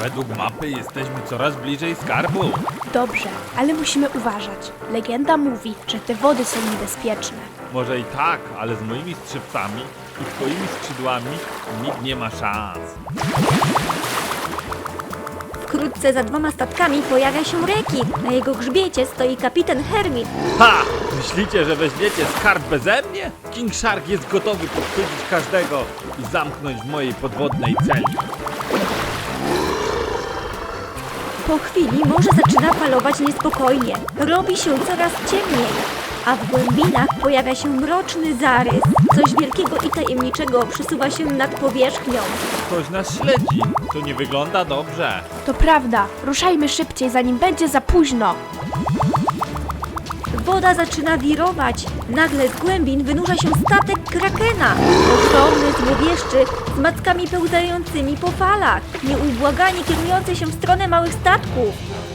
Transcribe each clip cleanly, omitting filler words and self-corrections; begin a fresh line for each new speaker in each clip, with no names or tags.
Według mapy jesteśmy coraz bliżej skarbu.
Dobrze, ale musimy uważać. Legenda mówi, że te wody są niebezpieczne.
Może i tak, ale z moimi skrzypcami i twoimi skrzydłami nikt nie ma szans.
Wkrótce za 2 statkami pojawia się rekin. Na jego grzbiecie stoi kapitan Hermit.
Ha! Myślicie, że weźmiecie skarb beze mnie? King Shark jest gotowy podchwycić każdego i zamknąć w mojej podwodnej celi.
Po chwili morze zaczyna falować niespokojnie. Robi się coraz ciemniej, a w głębinach pojawia się mroczny zarys. Coś wielkiego i tajemniczego przesuwa się nad powierzchnią.
Ktoś nas śledzi. To nie wygląda dobrze.
To prawda, ruszajmy szybciej, zanim będzie za późno.
Woda zaczyna wirować. Nagle z głębin wynurza się statek krakena. Ogromny, złowieszczy, z mackami pełzającymi po falach. Nieubłaganie kierujący się w stronę małych statków.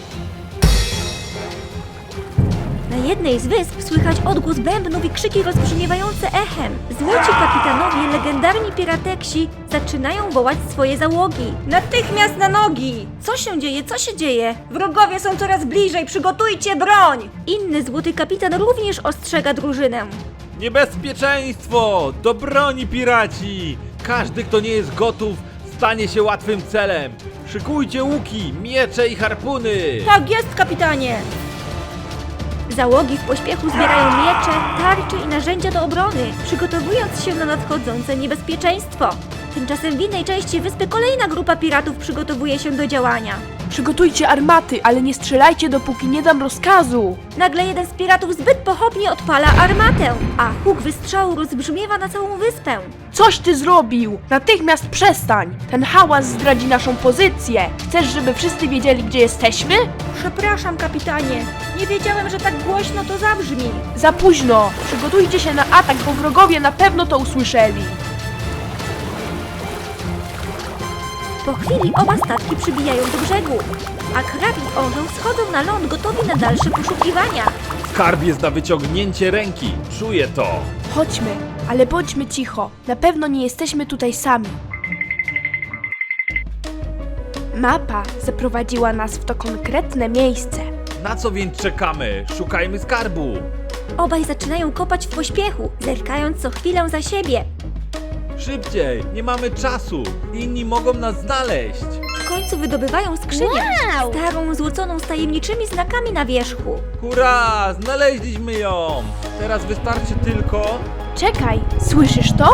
Na jednej z wysp słychać odgłos bębnów i krzyki rozbrzmiewające echem. Złoci kapitanowie, legendarni pirateksi, zaczynają wołać swoje załogi. Natychmiast na nogi! Co się dzieje? Co się dzieje? Wrogowie są coraz bliżej, przygotujcie broń! Inny złoty kapitan również ostrzega drużynę.
Niebezpieczeństwo! Do broni, piraci! Każdy, kto nie jest gotów, stanie się łatwym celem. Szykujcie łuki, miecze i harpuny!
Tak jest, kapitanie! Załogi w pośpiechu zbierają miecze, tarcze i narzędzia do obrony, przygotowując się na nadchodzące niebezpieczeństwo. Tymczasem w innej części wyspy kolejna grupa piratów przygotowuje się do działania.
Przygotujcie armaty, ale nie strzelajcie, dopóki nie dam rozkazu.
Nagle jeden z piratów zbyt pochopnie odpala armatę, a huk wystrzału rozbrzmiewa na całą wyspę.
Coś ty zrobił! Natychmiast przestań! Ten hałas zdradzi naszą pozycję. Chcesz, żeby wszyscy wiedzieli, gdzie jesteśmy?
Przepraszam, kapitanie. Nie wiedziałem, że tak głośno to zabrzmi.
Za późno! Przygotujcie się na atak, bo wrogowie na pewno to usłyszeli.
Po chwili oba statki przybijają do brzegu, a krab i orzeł schodzą na ląd gotowi na dalsze poszukiwania.
Skarb jest na wyciągnięcie ręki. Czuję to.
Chodźmy, ale bądźmy cicho. Na pewno nie jesteśmy tutaj sami. Mapa zaprowadziła nas w to konkretne miejsce.
Na co więc czekamy? Szukajmy skarbu.
Obaj zaczynają kopać w pośpiechu, zerkając co chwilę za siebie.
Szybciej, nie mamy czasu. Inni mogą nas znaleźć.
W końcu wydobywają skrzynię, starą, złoconą z tajemniczymi znakami na wierzchu.
Hurra! Znaleźliśmy ją! Teraz wystarczy tylko...
Czekaj, słyszysz to?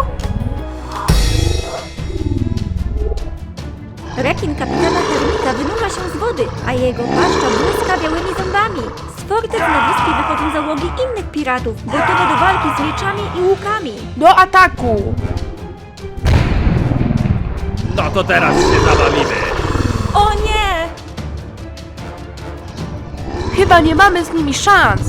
Rekin kapitana Hermita wynurza się z wody, a jego paszcza błyska białymi zębami. Z fortec na wyspie wychodzą załogi innych piratów, gotowe do walki z mieczami i łukami.
Do ataku!
No to teraz się zabawimy.
O nie!
Chyba nie mamy z nimi szans.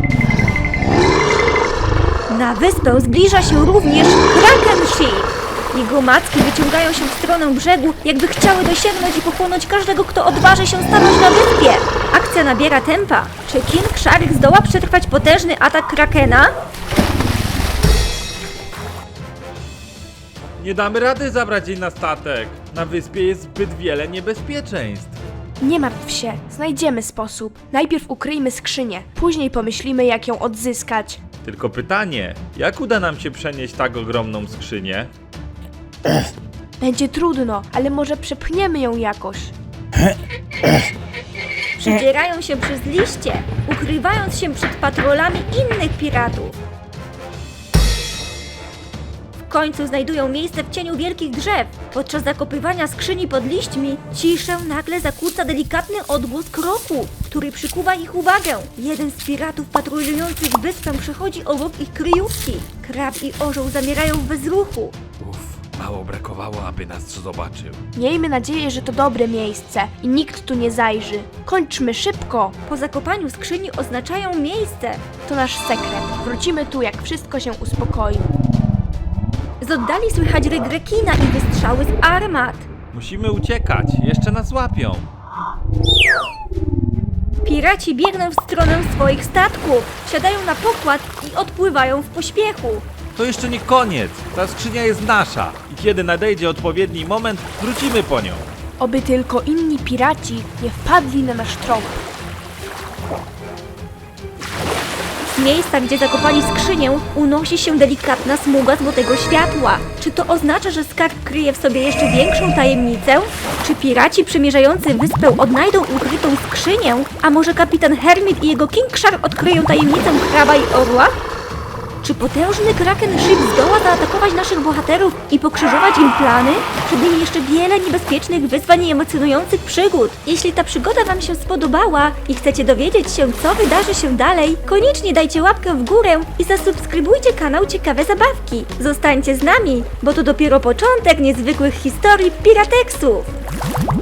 Na wyspę zbliża się również Kraken Ship. Jego macki wyciągają się w stronę brzegu, jakby chciały dosięgnąć i pochłonąć każdego, kto odważy się stanąć na wyspie. Akcja nabiera tempa. Czy King Shark zdoła przetrwać potężny atak Krakena?
Nie damy rady zabrać jej na statek. Na wyspie jest zbyt wiele niebezpieczeństw.
Nie martw się, znajdziemy sposób. Najpierw ukryjmy skrzynię, później pomyślimy, jak ją odzyskać.
Tylko pytanie, jak uda nam się przenieść tak ogromną skrzynię?
Będzie trudno, ale może przepchniemy ją jakoś.
Przedzierają się przez liście, ukrywając się przed patrolami innych piratów. W końcu znajdują miejsce w cieniu wielkich drzew. Podczas zakopywania skrzyni pod liśćmi ciszę nagle zakłóca delikatny odgłos kroku, który przykuwa ich uwagę. Jeden z piratów patrolujących wyspę przechodzi obok ich kryjówki. Krab i orzeł zamierają w bezruchu.
Mało brakowało, aby nas zobaczył.
Miejmy nadzieję, że to dobre miejsce i nikt tu nie zajrzy. Kończmy szybko.
Po zakopaniu skrzyni oznaczają miejsce.
To nasz sekret. Wrócimy tu, jak wszystko się uspokoi.
Z oddali słychać ryk rekina i wystrzały z armat.
Musimy uciekać, jeszcze nas łapią.
Piraci biegną w stronę swoich statków, wsiadają na pokład i odpływają w pośpiechu.
To jeszcze nie koniec. Ta skrzynia jest nasza. I kiedy nadejdzie odpowiedni moment, wrócimy po nią.
Oby tylko inni piraci nie wpadli na nasz trop.
Z miejsca, gdzie zakopali skrzynię, unosi się delikatna smuga złotego światła. Czy to oznacza, że skarb kryje w sobie jeszcze większą tajemnicę? Czy piraci przemierzający wyspę odnajdą ukrytą skrzynię? A może kapitan Hermit i jego King Shark odkryją tajemnicę kraба i orła? Czy potężny Kraken Ship zdoła zaatakować naszych bohaterów i pokrzyżować im plany? Przed nimi jeszcze wiele niebezpiecznych wyzwań i emocjonujących przygód. Jeśli ta przygoda Wam się spodobała i chcecie dowiedzieć się, co wydarzy się dalej, koniecznie dajcie łapkę w górę i zasubskrybujcie kanał Ciekawe Zabawki. Zostańcie z nami, bo to dopiero początek niezwykłych historii Pirateksów.